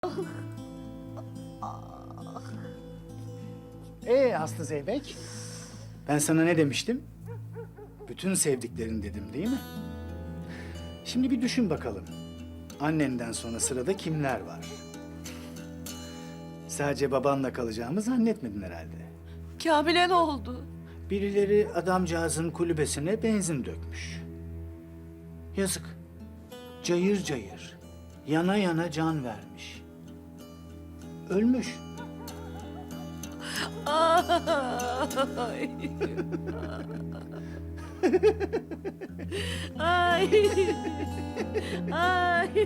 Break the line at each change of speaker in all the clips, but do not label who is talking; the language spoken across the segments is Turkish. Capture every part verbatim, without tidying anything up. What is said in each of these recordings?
Ee Aslı Zeybek, ben sana ne demiştim? Bütün sevdiklerin dedim değil mi? Şimdi bir düşün bakalım. Annenden sonra sırada kimler var? Sadece babanla kalacağımı zannetmedin herhalde.
Kamil'e ne oldu?
Birileri adamcağızın kulübesine benzin dökmüş. Yazık. Cayır cayır, yana yana can vermiş. Ölmüş.
Ay. Ay. Ay.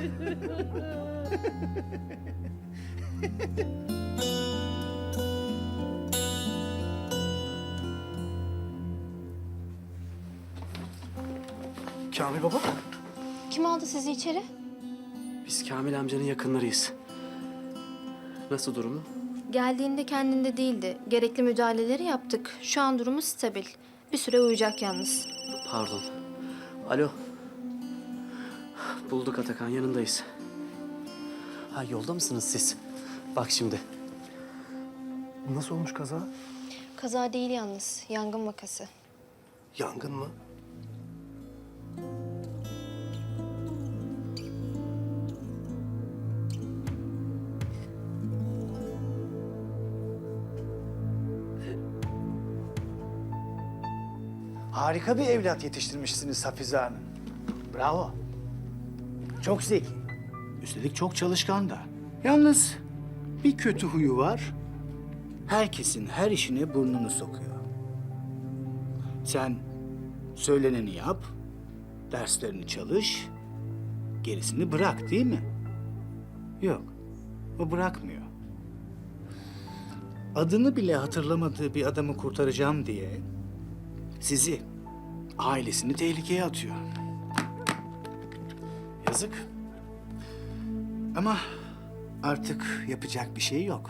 Kamil baba.
Kim aldı sizi içeri?
Biz Kamil amcanın yakınlarıyız. Nasıl durumu?
Geldiğinde kendinde değildi. Gerekli müdahaleleri yaptık. Şu an durumu stabil. Bir süre uyuyacak yalnız.
Pardon. Alo. Bulduk Atakan, yanındayız. Ha, yolda mısınız siz? Bak şimdi.
Nasıl olmuş kaza?
Kaza değil yalnız. Yangın vakası.
Yangın mı?
Harika bir evlat yetiştirmişsiniz Hafize Hanım. Bravo. Çok zeki. Üstelik çok çalışkan da. Yalnız bir kötü huyu var. Herkesin her işine burnunu sokuyor. Sen söyleneni yap, derslerini çalış, gerisini bırak değil mi? Yok, o bırakmıyor. Adını bile hatırlamadığı bir adamı kurtaracağım diye sizi, ailesini tehlikeye atıyor. Yazık. Ama artık yapacak bir şey yok.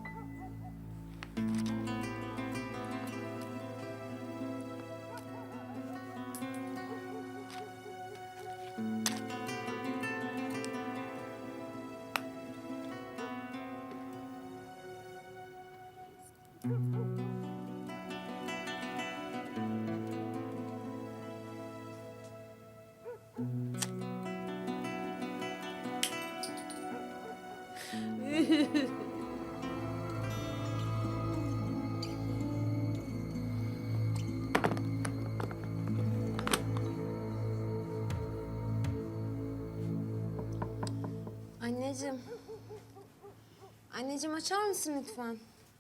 Anneciğim. Anneciğim açar mısın lütfen?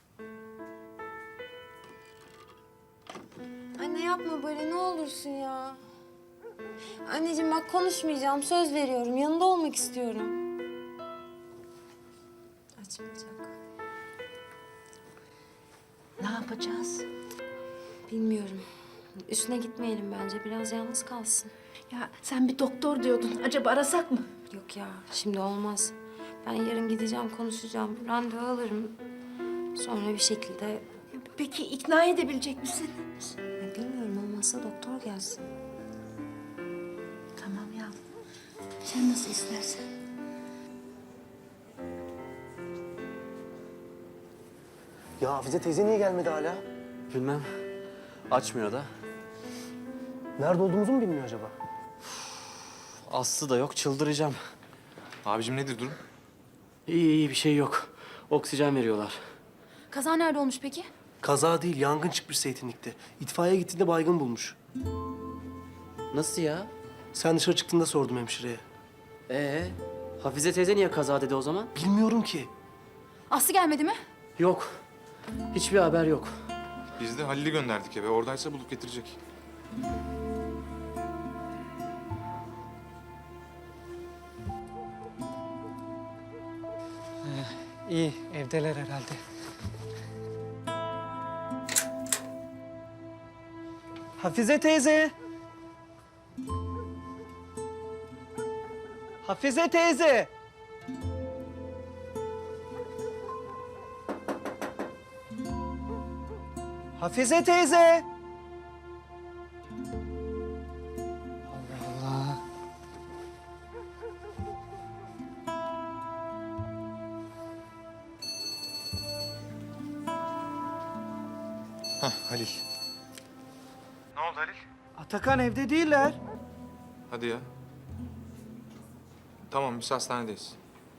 Anne yapma böyle ne olursun ya. Anneciğim bak konuşmayacağım söz veriyorum yanında olmak istiyorum. Açmayacak.
Ne yapacağız?
Bilmiyorum. Üstüne gitmeyelim bence biraz yalnız kalsın.
Ya sen bir doktor diyordun. Acaba arasak mı?
Yok ya şimdi olmaz. Ben yarın gideceğim konuşacağım. Randevu alırım. Sonra bir şekilde
Peki ikna edebilecek misin?
ya bilmiyorum olmazsa doktor gelsin.
Tamam ya. Sen nasıl istersen.
Ya Hafize teyze niye gelmedi hala?
Bilmem. Açmıyor da.
Nerede olduğumuzu mu bilmiyor acaba?
Aslı da yok, çıldıracağım.
Abicim nedir durum?
İyi iyi, bir şey yok. Oksijen veriyorlar.
Kaza nerede olmuş peki?
Kaza değil, yangın çıkmış zeytinlikte. İtfaiye gittiğinde baygın bulmuş.
Nasıl ya?
Sen dışarı çıktığında sordum hemşireye.
Ee, Hafize teyze niye kaza dedi o zaman?
Bilmiyorum ki.
Aslı gelmedi mi?
Yok. Hiçbir haber yok.
Biz de Halil'i gönderdik eve. Oradaysa bulup getirecek.
İyi, evdeler herhalde. Hafize teyze! Hafize teyze! Hafize teyze! Allah Allah.
Hah Halil.
Atakan evde değiller.
Hadi ya. Tamam biz hastanedeyiz.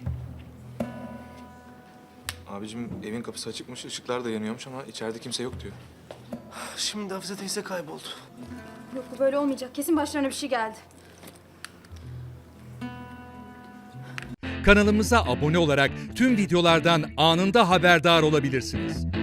Abicim evin kapısı açıkmış, ışıklar da yanıyormuş ama içeride kimse yok diyor.
Şimdi Hafize teyze kayboldu.
Yok bu böyle olmayacak. Kesin başlarına bir şey geldi.
Kanalımıza abone olarak tüm videolardan anında haberdar olabilirsiniz.